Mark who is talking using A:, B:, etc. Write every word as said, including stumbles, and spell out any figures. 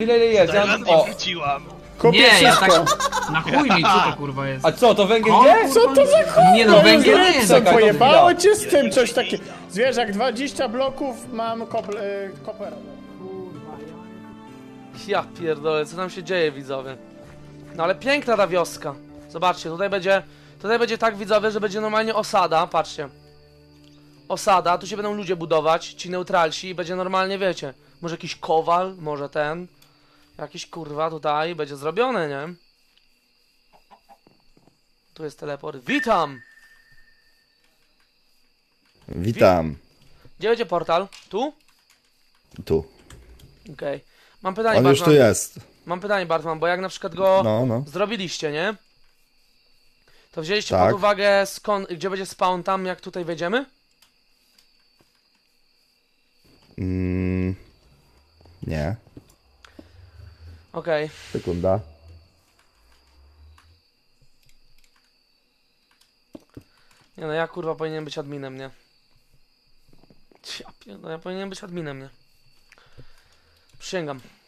A: Ile ile jest? Ja...
B: Zajlan
A: O!
B: wróciłam.
C: Kopię
D: Nie, ja
C: wszystko.
D: tak... Na chuj mi, co to kurwa jest?
A: A co, to węgiel
D: O,
A: gdzie?
C: Co to za chuj?
D: Nie no, węgiel nie jest.
C: Co,
A: Czekaj, to
C: pojebało
A: chwila.
C: cię z tym coś takiego? Zwierzak, dwadzieścia bloków, mam kopl, y, kopera.
E: Ja pierdolę, co tam się dzieje, widzowie? No ale piękna ta wioska. Zobaczcie, tutaj będzie... Tutaj będzie tak, widzowie, że będzie normalnie osada, patrzcie. Osada, tu się będą ludzie budować, ci neutralsi i będzie normalnie, wiecie, może jakiś kowal, może ten. Jakiś kurwa tutaj, będzie zrobione, nie? Tu jest teleport. Witam!
F: Witam.
E: Gdzie będzie portal? Tu?
F: Tu.
E: Okej. Mam pytanie,
F: On już tu
E: Bartman.
F: jest.
E: Mam pytanie, Bartman, bo jak na przykład go
F: No, no.
E: zrobiliście, nie? To wzięliście
F: Tak.
E: pod uwagę skąd, gdzie będzie spawn tam, jak tutaj wejdziemy?
F: Mm, nie.
E: Okej.
F: Sekunda.
E: Nie no, ja kurwa powinienem być adminem, nie? Ja, pier- no, ja powinienem być adminem, nie? Przysięgam.